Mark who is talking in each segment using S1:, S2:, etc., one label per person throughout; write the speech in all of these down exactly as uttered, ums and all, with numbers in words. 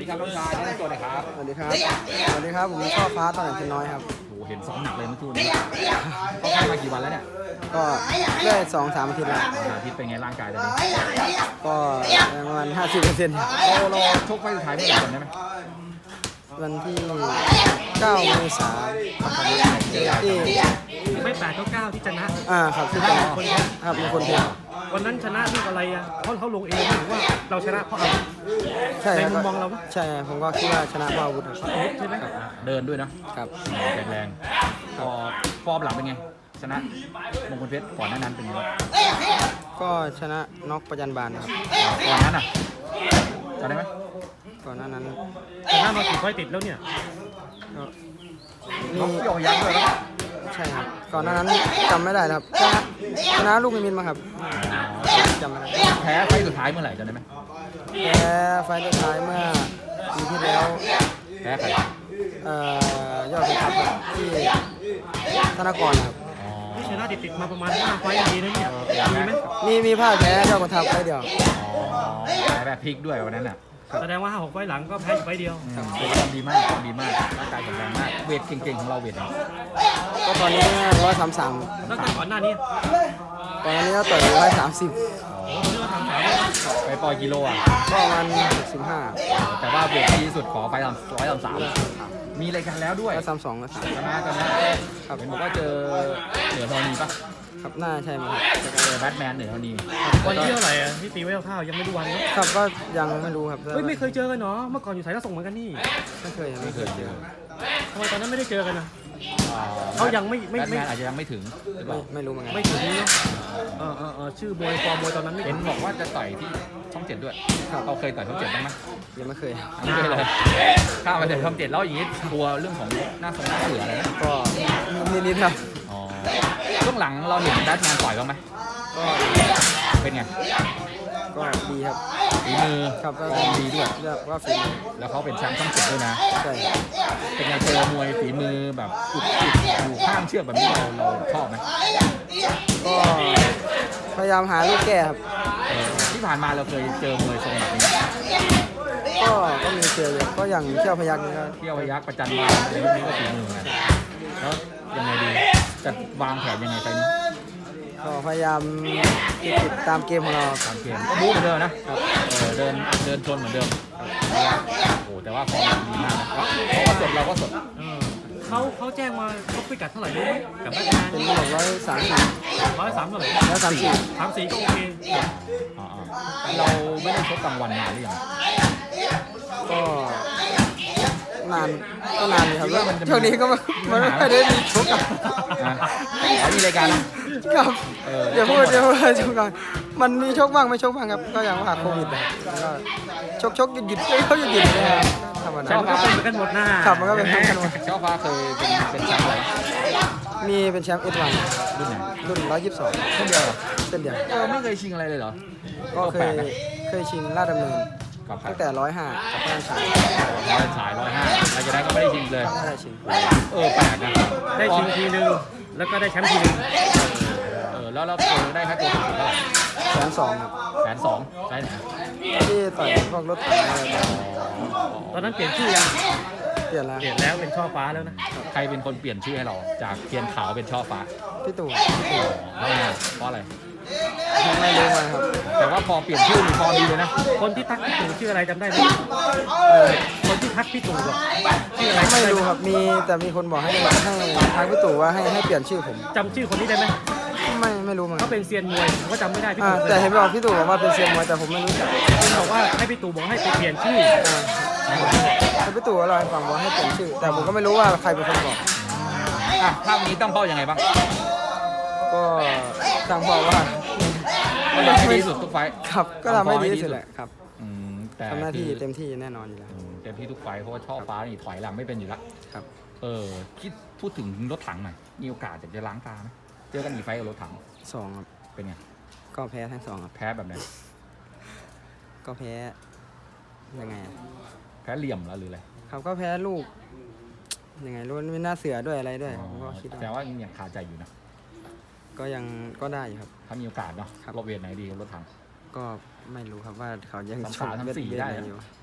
S1: ดีครับน้องชายแนะนำตัวหน่อยครับ
S2: สวัสดีครับ สวัสดีครับ ผมช่อฟ้าตอนไหนเป็นน้อยครับ
S1: โอ้เห็นซ้อมหนักเลยเมื่อคืนนี้เขาค่ายมากี่วันแล้วเนี่ย
S2: ก็ได้สองสามอาทิตย์แล้ว
S1: อาทิตย์เป็นไงร่างกายตอนนี้
S2: ก็ประมาณห้าสิบเปอร์เซ็นต์
S1: เราเราชกไฟสุดท้ายเมื่อไหร่จำได้ไหม
S2: วันที่เก้าเมษายนที่
S3: ไม่แปดก็เก้าที่ชนะ
S2: อ่าครับที่จะครับมีคนเท
S3: วันนั้นชนะลูกอะไรอ่ะเขาเขาลงเองหรือว่าเราชนะเพราะอะไร
S2: ใช่ครับ
S3: ในมุมมองเราปะ
S2: ใช่ผมก็คิดว่าชนะเพราะอาวุธครับ
S3: ใช่ไหม
S1: เดินด้วยเนาะ
S2: ครับ
S1: แข็งแรงพอฟอร์มหลังเป็นไงชนะมงคลเพชรก่อนหน้านั้นเป็นไงบ้าง
S2: ก็ชนะน็อกประจันบานครับ
S1: ก่อนนั้นอ่ะจำได้ไหม
S2: ก่อนหน้านั้น
S3: ชนะมากี่ไฟต์ติดแล้วเนี่ย
S2: ก็มี
S1: เขาโยกยักษ์ด้วยนะ
S2: ใช่ครับ ก่อนหน้านั้นจำไม่ได้แล้วครับชนะชนะลูกมิมินมาครับจำไม่ได้
S1: แพ้ไฟสุดท้ายเมื่อไหร่จำได้ไหม
S2: แพ้ไฟล์สุดท้ายเมื่อปีที่แล้ว
S1: แพ้ใคร
S2: เอ่อยอดพิทักษ์ครับที่ธนากรครับ
S1: อ๋อ
S3: ชนะติดติดๆมาประมาณห้าไฟต์ดีนะเนี่ยมีไหม
S2: มีมีภาพแพ้ยอดพิทักษ์ไฟล์เดียว
S1: แพ้แบบพลิกด้วยวันนั้นอ่ะ
S3: แสดงว่าห้าหกไฟต์หลังก็แพ้อยู่ไฟต์เดียว
S1: อืมเป็นความดีมากความดีมากร่างกายแข็งแรงมากเวทเก่งๆของเราเวทไหน
S2: ก็ตอนนี้ร้อยสามสาม
S3: แล้วก็ก่อนหน้านี้
S2: ตอนนี้ก็ต่อยร้อยสามสิบ
S3: โอ้โหเรื่องทำสาม
S1: ไปปล่อยกิโลอ่ะ
S2: ก็ประมาณหกสิบห้า
S1: แต่ว่าเวทดีที่สุดขอไปทำร้อยทำสามมีรายการแล้วด้วย
S2: ร้อยสามสองร้อยสาม
S1: ชนะกันนะครับเห็นบอกว่าเจอเหนือธรณีปะ
S2: ครับน่าใช่ไหมครับ
S1: เจอแบทแมนเหนือธรณี
S3: วันที่เท่าไหร่อ่ะที่ตีไว้คร่าวๆยังไม่รู้วันเนอะ
S2: ครับก็ยังไม่รู้ครับ
S3: เฮ้ยไม่เคยเจอกันเนาะเมื่อก่อนอยู่สายรับส่งเหมือนกันนี่
S2: ไม่เคย
S1: ไม่เคยเจอ
S3: ทำไมตอนนั้นไม่ได้เจอกันนะ
S1: อ่
S3: เขายังไม่ไม่
S1: แบท
S3: ไม่
S1: แมนอาจจะยังไม่ถึงหรือเป
S2: ไม่
S1: ล่า
S2: ไม่รู้เหมือนกัน
S3: ไม่ถึงนี้เนอะเออเออเออชื่อมวยฟอร์มมวยตอนนั้นไม่
S1: เห็
S3: เห็
S1: น
S3: น
S1: บอกว่าจะต่อยที่ช่องเจ็ดด้วยเราเคยต่อยช่องเจ็ดบ้างไหม
S2: ยังไม่เคย
S1: ไม่เคยเลยข้ามไปแต่ช่องเจ็ดแล้วอย่างนี้กลัวเรื่องของหน้าทรงหน้าเสืออะไรนะ
S2: ก็นิดๆครับ
S1: อ๋อช่วงหลังเราเห็นแบทแมนต่อยบ้างไหม
S2: ก็
S1: เป็นไง
S2: ก็ดีครับ
S1: ฝีมือ
S2: ครับก็
S1: ฟอร์มดีด้วย
S2: เรียกว่าฝีมือ
S1: แล้วเขาเป็นแชมป์ช่องเจ็ดด้วยนะ
S2: ใช่
S1: เป็นไงเจอมวยฝีมือแบบอุดอุดอยู่ข้างเชือกแบบนี้เราเราชอบไหม
S2: ก็พยายามหาลูกแก้ครับ
S1: เออที่ผ่านมาเราเคยเจอมวยทรงแบบนี้
S2: ก็ก็มีเจออยู่ก็อย่างเที่ยวพยักนี่ก็
S1: เที่ยวพยักประจันบานในยุคนี้ก็ฝีมือเหมือนกันแล้วยังไงดีจะวางแผนยังไงไปนี้
S2: ก็พยายามติดตามเกมของเรา
S1: ตามเกมก็บู๊เหมือนเดิมนะเออเดินเดินชนเหมือนเดิมโอ้แต่ว่าฟอร์มดีมากนะเขาก็สดเราก็สด
S3: เออเขาเขาแจ้งมาเขาพิกัดเท่าไหร่รู้ไหมกับแบทแมน
S2: เป็นหกร้อยสามสิบ
S3: ร้อยสามเท่าไหร่
S2: ร้อยสามสิบ
S3: สามสี่ก็โอเค
S1: อ่าๆเราไม่ได้ชกกลางวันนานหรือยัง
S2: ก็นานก็นานอยู่ครับช่วงนี้ก็ไม่ไม่ค่อยได้มีชกกับ
S1: นะอ๋อมีรายการนะ
S2: ครับ
S1: เออ
S2: เดี๋ยวพูดเดี๋ยวพูดชกกันมันมีชกบ้างไม่ชกบ้างครับ ก็อย่างว่าโควิดนะครับแล้วก็ชกชกหยุดหยุดเขาหยุดหยุดนะครับธรรม
S3: แต่
S2: ดา
S3: มันก็เป็นเหมือนกันหมดหน้า
S2: ครับมันก็เป็นเหมือนกันหมด
S1: เจ้าฟ้าเคยเป็นเป็นแชมป์อะไร
S2: มีเป็นแชมป์เอสวัน
S1: รุ่นไหน
S2: รุ่นร้อยยี่สิบสอง
S1: เช่นเดียวเหรอ
S2: เส้นเดียว
S1: เออไม่เคยชิงอะไรเลยเหรอ
S2: ก็เค
S1: แปล
S2: ย
S1: กนะ
S2: เคยชิงลาดดำเนิน
S1: กับใคร
S2: ตั้งแต่ร้อยห้ากับพระราชา
S1: ร้อยฉายร้อยห้าหลังจากนั้นก็ไม่ได้ชิงเลย
S2: ไม่ได้ชิง
S1: เออแปลกนะ
S3: ได้ชิงทีนึงแล้วก็ได้แชมป์ทีนึง
S1: เออแล้วเราเออได้ค่าตัวสูงสุดเท่าไหร่
S2: แสนสองครับ
S1: แสนสองได้ไหน
S2: ที่ต่อยพวกรถถังอะไร
S3: ตอนนั้นเปลี่ยนชื่อยัง
S2: เปลี่ยนแล้ว
S3: เปลี่ยนแล้วเป็นช่อฟ้าแล้วนะ
S1: ใครเป็นคนเปลี่ยนชื่อให้เราจากเทียนขาวเป็นช่อฟ้า
S2: พี่ตู่
S1: เพราะอะไรเพราะอะไร
S2: ไม่รู้มาครับ
S1: แต่ว่าพอเปลี่ยนชื่อมีพอดีเลยนะ
S3: คนที่ทักพี่ตู่ชื่ออะไรจำได้ไหม
S2: เออ
S3: คนที่ทักพี่ตู่อะชื่ออะไร
S2: ไม่
S3: จำได้
S2: รู้
S3: ไหม
S2: ครับมีแต่มีคนบอกให้ให้ทางพี่ตู่ว่าให้ให้เปลี่ยนชื่อผม
S3: จำชื่อคนนี้ได้ไหม
S2: ไม่ไม่รู้เหมือนกั
S3: เขา
S2: น
S3: เป็นเซียนมวยผมก็จำไม่ได้พี่
S2: อ่า
S3: ตู่
S2: แต่เห็นบอกพี่ตู่บอกว่าเป็นเซียนมวยแต่ผมไม่รู้จัก
S3: เขาบอกว่าให้พี่ตู่บอกให้ไปเปลี่ยนชื่อ
S2: อ่าแต่พี่ตู่ก็เล่าให้ฟังว่าให้เปลี่ยนชื่อ แต่ผมก็ไม่รู้ว่าใครเป็นคนบอก
S1: อ่ะภาพนี้ต้องเป้ายังไงบ้าง
S2: ก็ทางบอกว่า
S1: ก็ทำให้ดีที่สุดทุกไฟท์
S2: ครับก็ทำให้ดีที่สุดแหละครับ
S1: อืมแต่
S2: ทำหน้าที่
S1: คือ
S2: เต็มที่แน่นอนอยู่แล้ว
S1: อืมเต็มที่ทุกไฟท์เพราะว่าช่อฟ้านี่ถอยหลังไม่เป็นอยู่แล้ว
S2: ครับ
S1: เออคิดพูดถึงรถถังหน่อยมีโอกาสจะล้างตาไหมเจอกันกี่ไฟท์กับรถถัง
S2: สองครับ
S1: เป็นไง
S2: ก็แพ้ทั้งสองครับ
S1: แพ้แบบไหน
S2: ก็แพ้ยังไงอะ
S1: แพ้เหลี่ยมแล้วหรืออะไร
S2: ครับก็แพ้ลูกยังไงรู้มันเป็นหน้าเสือด้วยอะไรด้วยผมก็คิด
S1: แต่
S2: ว่า
S1: ว่ายังคาใจอยู่นะ
S2: ก็ยังก็ได้อยู่ครับ
S1: ถ้ามีโอกาสเนาะ
S2: ครับ
S1: รถเวทไหนดีกับรถถัง
S2: ก็ไม่รู้ครับว่าเขายัง
S1: สามสาม
S2: ชกเวท
S1: สามสี่
S2: เวท
S1: ได้
S2: ไหน
S1: นะ
S2: อยู่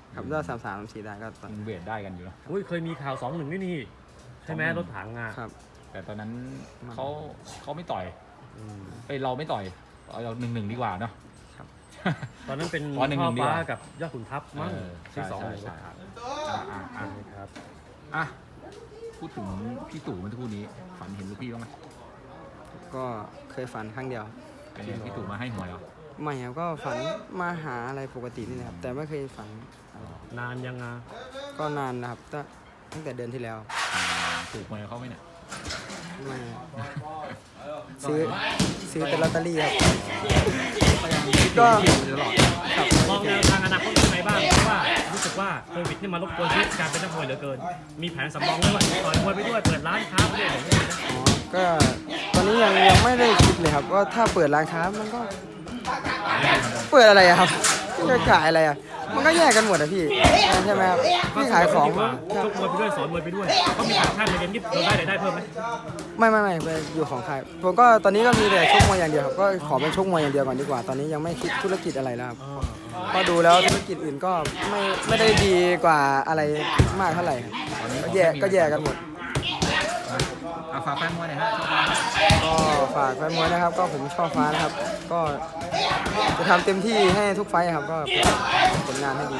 S2: ครับถ้าสามสามสี่ได้ก็ต่อย
S1: ยังเวทได้กันอยู่เนอะ
S3: อุ้ยเคยมีข่าวสองหนึ่งนี่นี่ใช่ไหม
S1: สองหนึ่ง
S3: รถถังอ่ะ
S2: ครับ
S1: แต่ตอนนั้นเขาเขาไม่ต่อย
S3: อืม
S1: เอ้ยเราไม่ต่อยเอาเราหนึ่งหนึ่งดีกว่าเนาะ
S3: ตอนนั้นเป็น
S1: ขอหนึ่งห
S3: ช่
S1: นึ่
S3: อง
S1: ดีก
S3: ฟ้า
S1: ว่า
S3: กับยอดขุนทัพมั้ง
S1: เออใช่
S3: ที่สอง
S1: ใช่
S3: รถ
S1: ใช่
S3: ถัง
S1: อ่าอ่าอ่า
S3: ครับ
S1: อ่ะพูดถึงพี่ตู่เมื่อสักครู่นี้ฝันเห็นลูกพี่บ้างไหม
S2: ก็เคยฝันครั้งเดียว
S1: เป็นไงพี่ตู่มาให้หวยเหรอ
S2: ไม่ครับก็ฝันมาหาอะไรปกตินี่นะครับแต่ไม่เคยฝัน
S3: นานยังอ่ะ
S2: ก็นานนะครับตั้งตั้งแต่เดือนที่แล้ว
S1: อ่าถูกหวยเขาไหมเนี่ย
S2: ไม่ซื้อซื้อแต่ลอตเตอรี่ครับ
S1: ก็
S2: ก็
S1: ตลอด
S3: มองแนวทางอนาคตยังไงบ้างเพราะว่ารู้สึกว่าโควิดนี่มารบกวนชีวิตการเป็นนักมวยเหลือเกิน มีแผนสำรองด้วยว่าต่อยมวยไปด้วยเปิดร้านค้าไปด้วยอย่างเงี้ยนะ
S2: อ๋อก็ตอนนี้ยังยังไม่ได้คิดเลยครับว่าถ้าเปิดร้านค้ามันก็เปิดอะไรอะครับจะขายอะไรอะมันก็แยกกันหมดอะพี่ใช่ไหมครับพี่ขายของ
S3: ดีกว่าชกมวยไปด้วยสอนมวยไปด้วยเขามีต่างชาติมาเรียนนี่เราได้รายได้เพิ่มไหม
S2: ไม่ไม่ไม่ไปอยู่ของใครผมก็ตอนนี้ก็มีแต่ชกมวยอย่างเดียวครับก็ขอเป็นชกมวยอย่างเดียวก่อนดีกว่า ตอนนี้ยังไม่คิดธุรกิจอะไรแล้วครับ
S3: อ๋อ
S2: พอดูแล้วธุรกิจอื่นก็ไม่ไม่ได้ดีกว่าอะไรมากเท่าไหร่ครับก็แย่ก็แย่กันหมด
S1: เอาฝากแฟนมวยหน่อยฮะ
S2: ก็ฝากแฟนมวยนะครับ ก็ผมชอบฟ้านะครับ ก็จะทำเต็มที่ให้ทุกไฟท์ครับก็ผลงานให้ดี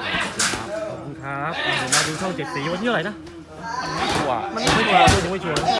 S3: ขอบคุณครับเดี๋ยวมาดูช่องเจ็ดสีวันที่เท่าไหร่นะ
S1: ตัว
S2: มัน
S3: ไม่
S2: ไม่
S3: ชัวร์ด้วยยังไม่ชัวร์